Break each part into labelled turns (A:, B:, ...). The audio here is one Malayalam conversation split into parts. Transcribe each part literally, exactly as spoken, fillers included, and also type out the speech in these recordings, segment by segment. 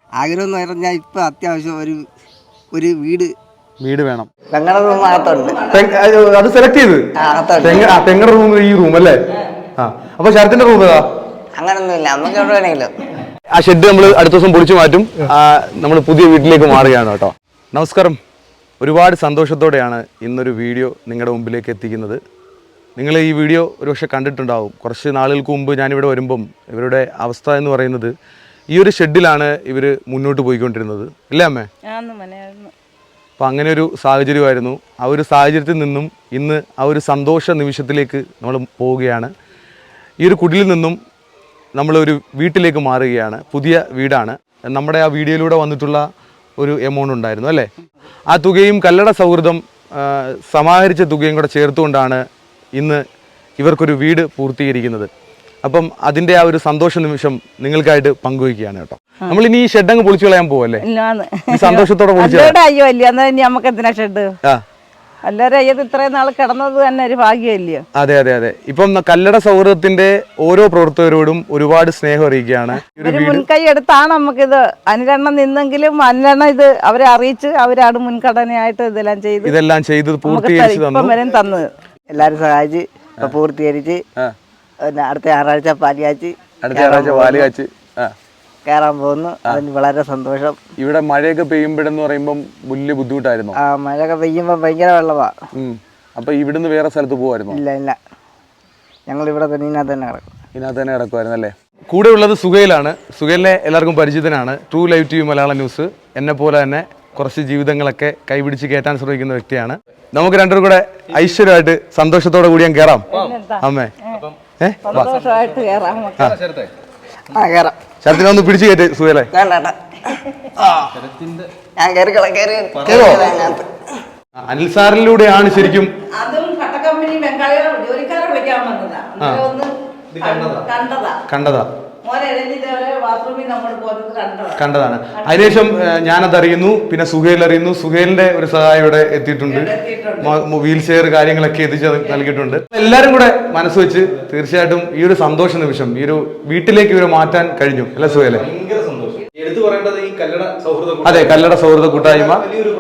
A: ആഗ്രഹം എന്ന് പറഞ്ഞാൽ ഇപ്പം അത്യാവശ്യം ഒരു ഒരു വീട്
B: വീട് വേണം.
A: പെങ്ങളുടെ റൂം അകത്തുണ്ട്.
B: അത് സെലക്ട് ചെയ്ത് പെങ്ങളുടെ റൂം ഈ റൂം അല്ലേ? ആ അപ്പൊ ശരത്തിന്റെ റൂം ഏതാ?
A: അങ്ങനൊന്നുമില്ല, നമുക്ക് എവിടെ വേണമെങ്കിലും.
B: ആ ഷെഡ് നമ്മൾ അടുത്ത ദിവസം പൊളിച്ചു മാറ്റും. നമ്മൾ പുതിയ വീട്ടിലേക്ക് മാറുകയാണ് കേട്ടോ. നമസ്കാരം. ഒരുപാട് സന്തോഷത്തോടെയാണ് ഇന്നൊരു വീഡിയോ നിങ്ങളുടെ മുമ്പിലേക്ക് എത്തിക്കുന്നത്. നിങ്ങൾ ഈ വീഡിയോ ഒരുപക്ഷെ കണ്ടിട്ടുണ്ടാവും. കുറച്ച് നാളുകൾക്ക് മുമ്പ് ഞാനിവിടെ വരുമ്പം ഇവരുടെ അവസ്ഥ എന്ന് പറയുന്നത് ഈ ഒരു ഷെഡിലാണ് ഇവർ മുന്നോട്ട് പോയിക്കൊണ്ടിരുന്നത്, ഇല്ലേ അമ്മേ? അപ്പം അങ്ങനെ ഒരു സാഹചര്യമായിരുന്നു. ആ ഒരു സാഹചര്യത്തിൽ നിന്നും ഇന്ന് ആ ഒരു സന്തോഷ നിമിഷത്തിലേക്ക് നമ്മൾ പോവുകയാണ്. ഈ ഒരു കുടിലിൽ നിന്നും നമ്മളൊരു വീട്ടിലേക്ക് മാറുകയാണ്. പുതിയ വീടാണ്. നമ്മുടെ ആ വീഡിയോയിലൂടെ വന്നിട്ടുള്ള ഒരു എമൗണ്ട് ഉണ്ടായിരുന്നു അല്ലേ? ആ തുകയും കല്ലട സൗഹൃദം സമാഹരിച്ച തുകയും കൂടെ ചേർത്തുകൊണ്ടാണ് ഇന്ന് ഇവർക്കൊരു വീട് പൂർത്തീകരിക്കുന്നത്. അപ്പം അതിൻ്റെ ആ ഒരു സന്തോഷ നിമിഷം നിങ്ങൾക്കായിട്ട് പങ്കുവയ്ക്കുകയാണ് കേട്ടോ. നമ്മൾ ഇനി ഈ ഷെഡ് അങ്ങ് പൊളിച്ചു കളയാൻ പോവല്ലേ? സന്തോഷത്തോടെ
C: എല്ലാവരും ഇത്രയും നാൾ കിടന്നത് തന്നെ ഒരു ഭാഗ്യമല്ലയോ?
B: അതെ അതെ അതെ. ഇപ്പം കല്ലട സൗഹൃദത്തിന്റെ ഓരോ പ്രവർത്തകരോടും ഒരുപാട് സ്നേഹം അറിയിക്കുകയാണ്.
C: ഒരു മുൻകൈ എടുത്താണ് നമുക്കിത് അനുകരണം നിന്നെങ്കിലും അനുകരണം ഇത് അവരെ അറിയിച്ച് അവരാണ് മുൻഘടനയായിട്ട് ഇതെല്ലാം ചെയ്ത്
B: ഇതെല്ലാം ചെയ്ത് പൂർത്തീകരിച്ച്
C: തന്നത്.
A: എല്ലാരും സഹായിച്ച് പൂർത്തീകരിച്ച് അടുത്ത ഞായറാഴ്ച പാലിയാച്ച്
B: അടുത്ത ഞായറാഴ്ച പാലിയാച്ച്
A: കയറാൻ പോകുന്നു. അതിന് വളരെ സന്തോഷം.
B: ഇവിടെ മഴയൊക്കെ പെയ്യുമ്പോഴെന്ന് പറയുമ്പോൾ വലിയ ബുദ്ധിമുട്ടായിരുന്നു.
A: ആ മഴയൊക്കെ പെയ്യുമ്പോ ഭയങ്കര വെള്ളമാ.
B: അപ്പൊ ഇവിടുന്ന് വേറെ സ്ഥലത്ത് പോകുമായിരുന്നു?
A: ഇല്ല ഇല്ല, ഞങ്ങൾ ഇവിടെ തന്നെ ഇതിനകത്ത് തന്നെ കിടക്കും.
B: ഇതിനകത്ത് തന്നെ കിടക്കുമായിരുന്നു അല്ലേ? കൂടെ ഉള്ളത് സുഹൈലാണ്. സുഹൈലിനെ എല്ലാവർക്കും പരിചിതനാണ്. True live T V Malayalam news എന്നെ പോലെ തന്നെ കുറച്ച് ജീവിതങ്ങളൊക്കെ കൈപിടിച്ച് കയറ്റാൻ ശ്രമിക്കുന്ന വ്യക്തിയാണ്. നമുക്ക് രണ്ടുപേരും കൂടെ ഐശ്വര്യമായിട്ട് സന്തോഷത്തോടെ കൂടി ഞാൻ കയറാം അമ്മേ. ഏഹ് ശരത്തിനെ ഒന്ന് പിടിച്ചു കയറ്റ് സുഹൈലെ. അനിൽ സാറിലൂടെയാണ് ശരിക്കും കണ്ടതാ കണ്ടതാണ്. അതിനുശേഷം ഞാനത് അറിയുന്നു, പിന്നെ സുഹൈൽ അറിയുന്നു. സുഹൈലിന്റെ ഒരു സഹായം ഇവിടെ എത്തിയിട്ടുണ്ട്. വീൽ ചെയർ കാര്യങ്ങളൊക്കെ എത്തിച്ച് നൽകിയിട്ടുണ്ട്. എല്ലാരും കൂടെ മനസ്സ് വെച്ച് തീർച്ചയായിട്ടും ഈ ഒരു സന്തോഷ നിമിഷം ഈ ഒരു വീട്ടിലേക്ക് ഇവരെ മാറ്റാൻ കഴിഞ്ഞു അല്ലെ സുഹൈലെ? അതെ, കല്ലട സൗഹൃദ കൂട്ടായ്മ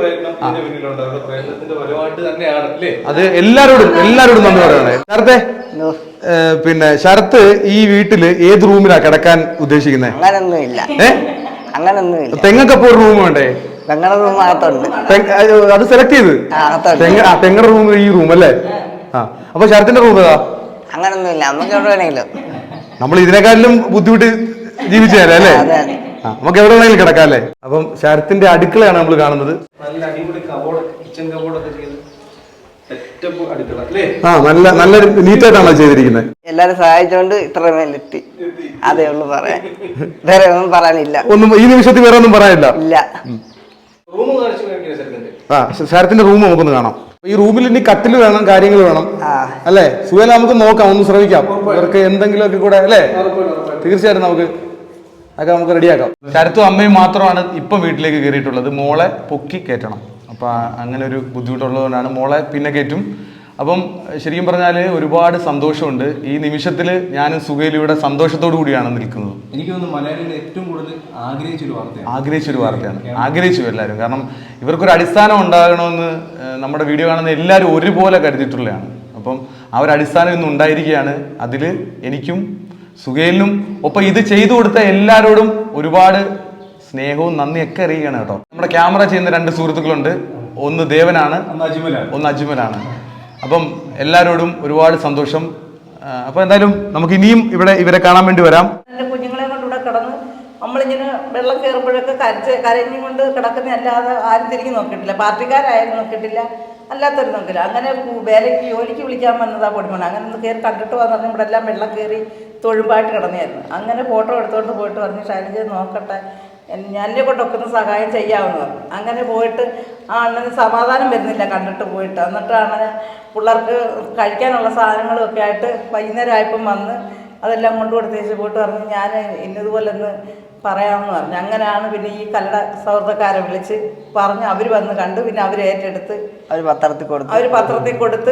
B: അത് എല്ലാരോടും എല്ലാരോടും നന്ദി പറയണേ. ശരത്തെ, പിന്നെ ശരത്ത് ഈ വീട്ടില് ഏത് റൂമിലാ കിടക്കാൻ ഉദ്ദേശിക്കുന്നത്?
A: അങ്ങനൊന്നുമില്ല, അങ്ങനൊന്നുമില്ല.
B: തെങ്ങക്കപ്പോ ഒരു റൂം വേണ്ടേ?
A: പെങ്ങളുടെ റൂം അകത്തുണ്ട്.
B: അത് സെലക്ട് ചെയ്ത് തെങ്ങയുടെ റൂം ഈ റൂം അല്ലേ? ആ അപ്പൊ ശരത്തിന്റെ റൂം ഏതാ?
A: അങ്ങനൊന്നുമില്ല, നമുക്ക് എവിടെ വേണമെങ്കിലും.
B: നമ്മൾ ഇതിനെക്കാട്ടിലും ബുദ്ധിമുട്ട് ജീവിച്ചതല്ലേ അല്ലേ? ആ നമുക്ക് എവിടെ വേണമെങ്കിലും കിടക്കാം അല്ലേ? അപ്പം ശരത്തിന്റെ അടുക്കളയാണ് നമ്മൾ കാണുന്നത്.
D: നല്ല അടിപൊളി കബോർഡ്, കിച്ചൺ കബോർഡൊക്കെ ചെയ്ത്
B: ആ നല്ല നല്ല നീറ്റായിട്ടാണോ ചെയ്തിരിക്കുന്നത്?
A: എല്ലാരും സഹായിച്ചോണ്ട് ഇത്ര മേലെത്തി, അതേ ഉള്ളു പറയാൻ. വേറെ ഒന്നും പറയാനില്ല.
B: ഒന്നും ഈ നിമിഷത്തിൽ വേറെ ഒന്നും പറയാനില്ല.
A: ഇല്ല.
B: ആ ശരത്തിന്റെ റൂം നമുക്കൊന്ന് കാണാം. ഈ റൂമിൽ ഇനി കട്ടിൽ വേണം, കാര്യങ്ങൾ വേണം അല്ലേ സുഹൈൽ? നമുക്ക് നോക്കാം, ഒന്ന് ശ്രമിക്കാം. ഇവർക്ക് എന്തെങ്കിലുമൊക്കെ കൂടെ അല്ലേ? തീർച്ചയായിട്ടും നമുക്ക് അതൊക്കെ നമുക്ക് റെഡിയാക്കാം. ശരത്തും അമ്മയും മാത്രമാണ് ഇപ്പം വീട്ടിലേക്ക് കയറിയിട്ടുള്ളത്. മോളെ പൊക്കി കയറ്റണം. അപ്പം അങ്ങനെ ഒരു ബുദ്ധിമുട്ടുള്ളതുകൊണ്ടാണ് മോളെ പിന്നെ കയറ്റും. അപ്പം ശരിക്കും പറഞ്ഞാൽ ഒരുപാട് സന്തോഷമുണ്ട് ഈ നിമിഷത്തിൽ. ഞാനും സുഹൈലും ഇവിടെ സന്തോഷത്തോടു കൂടിയാണ് നിൽക്കുന്നത്.
D: എനിക്ക് തോന്നുന്നു മലയാളികൾ ഏറ്റവും കൂടുതൽ ആഗ്രഹിച്ചൊരു വാർത്തയാണ്
B: ആഗ്രഹിച്ചൊരു വാർത്തയാണ് ആഗ്രഹിച്ചു എല്ലാവരും. കാരണം ഇവർക്കൊരു അടിസ്ഥാനം ഉണ്ടാകണമെന്ന് നമ്മുടെ വീഡിയോ കാണുന്ന എല്ലാവരും ഒരുപോലെ കരുതിയിട്ടുള്ളതാണ്. അപ്പം ആ ഒരു അടിസ്ഥാനം ഇന്ന് ഉണ്ടായിരിക്കുകയാണ്. അതിൽ എനിക്കും സുഹൈലിനും ഒപ്പം ഇത് ചെയ്തു കൊടുത്ത എല്ലാവരോടും ഒരുപാട് സ്നേഹവും നന്ദിയൊക്കെ അറിയുകയാണ് കേട്ടോ. നമ്മുടെ ക്യാമറ ചെയ്യുന്ന രണ്ട് സുഹൃത്തുക്കളുണ്ട്. ഒന്ന് ദേവനാണ്, ഒന്ന് അജ്മലാണ്. അപ്പം എല്ലാവരോടും ഒരുപാട് സന്തോഷം. അപ്പൊ എന്തായാലും നമുക്ക് ഇനിയും ഇവിടെ ഇവരെ കാണാൻ വേണ്ടി വരാം.
C: കുഞ്ഞുങ്ങളെ കൊണ്ട് ഇവിടെ കിടന്ന് നമ്മളിങ്ങനെ വെള്ളം കയറുമ്പോഴൊക്കെ കരച്ച് കരഞ്ഞും കൊണ്ട് കിടക്കുന്ന അല്ലാതെ ആരും തിരിഞ്ഞു നോക്കിയിട്ടില്ല. പാർട്ടിക്കാരായാലും നോക്കിയിട്ടില്ല, അല്ലാത്തവരും നോക്കില്ല. അങ്ങനെ വേലയ്ക്ക് ജോലിക്ക് വിളിക്കാൻ വന്നതാ പൊടിമണ. അങ്ങനെ ഒന്ന് കയറി കണ്ടിട്ട് വന്നു. ഇവിടെ എല്ലാം വെള്ളം കയറി തൊഴുമ്പായിട്ട് കിടന്നായിരുന്നു. അങ്ങനെ ഫോട്ടോ എടുത്തുകൊണ്ട് പോയിട്ട് പറഞ്ഞു ശൈലജ നോക്കട്ടെ, എന്നെ കൊണ്ടൊക്കെ ഒന്ന് സഹായം ചെയ്യാമെന്ന് പറഞ്ഞു. അങ്ങനെ പോയിട്ട് ആ അണ്ണന് സമാധാനം വരുന്നില്ല കണ്ടിട്ട് പോയിട്ട്. എന്നിട്ട് അണ്ണന് പിള്ളേർക്ക് കഴിക്കാനുള്ള സാധനങ്ങളും ഒക്കെ ആയിട്ട് വൈകുന്നേരം ആയപ്പം വന്ന് അതെല്ലാം കൊണ്ടു കൊടുത്തേച്ച് പോയിട്ട് പറഞ്ഞു ഞാൻ ഇന്നതുപോലെ ഒന്ന് പറയാമെന്ന് പറഞ്ഞു. അങ്ങനെയാണ് പിന്നെ ഈ കല്ലട സൗഹൃദക്കാരെ വിളിച്ച് പറഞ്ഞ് അവർ വന്ന് കണ്ടു. പിന്നെ അവർ ഏറ്റെടുത്ത്
A: അവർ പത്രത്തിൽ കൊടുത്തു
C: അവർ പത്രത്തിൽ കൊടുത്ത്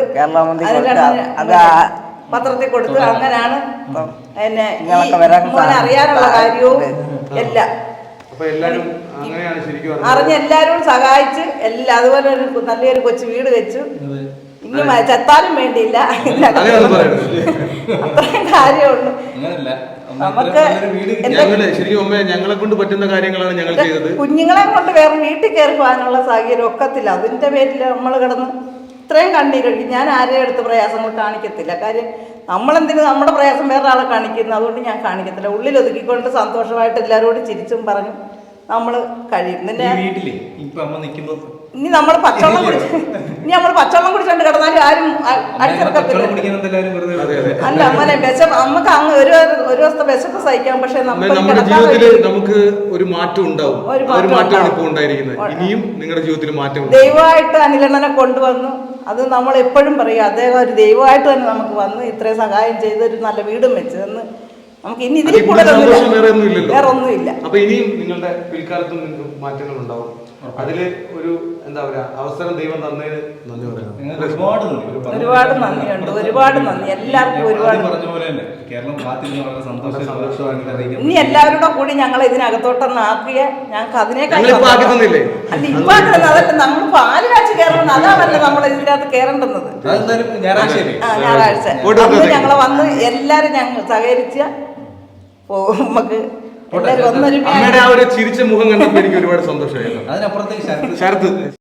C: പത്രത്തിൽ കൊടുത്ത് അങ്ങനെയാണ് എന്നെ അറിയാനുള്ള കാര്യവും എല്ലാം
B: അപ്പൊ എല്ലാരും അങ്ങനെയാണ് ശരിക്കും പറഞ്ഞത്.
C: അറിഞ്ഞ് എല്ലാവരും സഹായിച്ച് എല്ലാ അതുപോലെ ഒരു നല്ലൊരു കൊച്ചു വീട് വെച്ചു. ഇനി മ- ചെത്താനും വേണ്ടിയില്ല.
B: അങ്ങനെയൊന്നും പറയരുത്.
C: അത്രയും കാര്യമുള്ളൂ.
D: അങ്ങനല്ല
C: നമുക്ക്
B: ഞങ്ങള് ശരിക്കും അമ്മ ഞങ്ങളെ കൊണ്ട് പറ്റുന്ന കാര്യങ്ങളാണ് ഞങ്ങൾ ചെയ്തത്.
C: കുഞ്ഞുങ്ങളെ കൊണ്ട് വേറെ വീട്ടിൽ കയറി പോകാനുള്ള സാഹചര്യം ഒക്കത്തില്ല. അതിന്റെ പേരിൽ നമ്മൾ കിടന്ന് ഇത്രയും കണ്ണീരൊഴുക്കി. ഞാൻ ആരെയും അടുത്ത് പ്രയാസങ്ങൾ കാണിക്കത്തില്ല. കാര്യം നമ്മളെന്തിനു നമ്മുടെ പ്രയാസം വേറെ ആളെ കാണിക്കുന്നു. അതുകൊണ്ട് ഞാൻ കാണിക്കത്തില്ല. ഉള്ളിൽ ഒതുക്കിക്കൊണ്ട് സന്തോഷമായിട്ട് എല്ലാവരോടും ചിരിച്ചും പറഞ്ഞു നമ്മൾ കഴിയും. നിന്റെ
D: വീട്ടിലെ ഇപ്പൊ അമ്മ നിൽക്കുമ്പോ
C: ഇനി നമ്മൾ പച്ചവെള്ളം കുടിച്ച് ഇനി നമ്മൾ പച്ചവെള്ളം കുടിച്ചോണ്ട് കിടന്നാലും ആരും അടിച്ചിറക്കത്തില്ല. അല്ല അമ്മനെ വിശപ്പ് നമുക്ക് അങ്ങ് ഒരു ഒരു ദിവസത്തെ വിശപ്പ് സഹിക്കാം. പക്ഷെ
B: നമ്മുടെ
C: നമുക്ക്
B: ജീവിതത്തിൽ നമുക്ക് ഒരു മാറ്റം ഉണ്ടാവും.
C: ഒരു
B: ഒരു
C: മാറ്റം
B: മാറ്റമാണ്
C: ഉണ്ടാവും.
B: ഇപ്പോൾ ഉണ്ടായിരിക്കുന്നത്. ഇനിയും നിങ്ങളുടെ ജീവിതത്തിൽ മാറ്റം ഉണ്ടാവും.
C: ദൈവമായിട്ട് അനിലണ്ണനെ കൊണ്ടുവന്നു. അത് നമ്മൾ എപ്പോഴും പറയും അദ്ദേഹം ഒരു ദൈവമായിട്ട് തന്നെ നമുക്ക് വന്ന് ഇത്രയും സഹായം ചെയ്ത് ഒരു നല്ല വീടും വെച്ച് തന്ന് നമുക്ക് ഇനി ഇതിൽ
B: അതിൽ കൂടുതൽ സന്തോഷം വേറെ ഒന്നും ഇല്ലല്ലോ.
C: വേറെ ഒന്നുമില്ല.
B: അപ്പൊ ഇനിയും നിങ്ങളുടെ പിൽക്കാലത്തും നിങ്ങൾക്ക് മാറ്റങ്ങൾ ഉണ്ടാവും. അതില് ഒരു എന്താ പറയാ അവസരം ദൈവം തന്നതിന് നന്ദി പറയാം.
D: ഒരുപാട് നന്ദി.
C: ഒരുപാട് നന്ദിയുണ്ട്. ഒരുപാട് നന്ദി എല്ലാവർക്കും. ഒരുപാട്
D: പറഞ്ഞ പോലെ തന്നെ കേരളം കാത്തിരുന്ന് വളരെ സന്തോഷം.
C: ഇനി എല്ലാവരുടെ കൂടി ഞങ്ങൾ ഇതിനകത്തോട്ടൊന്ന് ആക്കിയ ഞങ്ങൾക്ക് അതിനേക്കാൾ
B: ഞങ്ങളിപ്പോ ആക്കി തന്നില്ലേ?
C: അല്ല ഇപ്പൊ ആക്കുന്നത് അതല്ല. നമ്മൾ പാല് കാച്ച് കയറണം. അതാണല്ലോ നമ്മൾ ഇതിനകത്ത് കയറേണ്ടുന്നത്.
D: അതെന്തായാലും ഞായറാഴ്ച
C: ആ ഞായറാഴ്ച അന്ന് ഞങ്ങളെ വന്ന് എല്ലാരും ഞങ്ങൾ സഹകരിച്ച നമുക്ക് എല്ലാവരും ഒന്നൊരു
B: അമ്മയുടെ ആ ഒരു ചിരിച്ച മുഖം കണ്ടപ്പോൾ എനിക്ക് ഒരുപാട് സന്തോഷമായിരുന്നു.
D: അതിനപ്പുറത്തേക്ക്
B: ശരത്ത്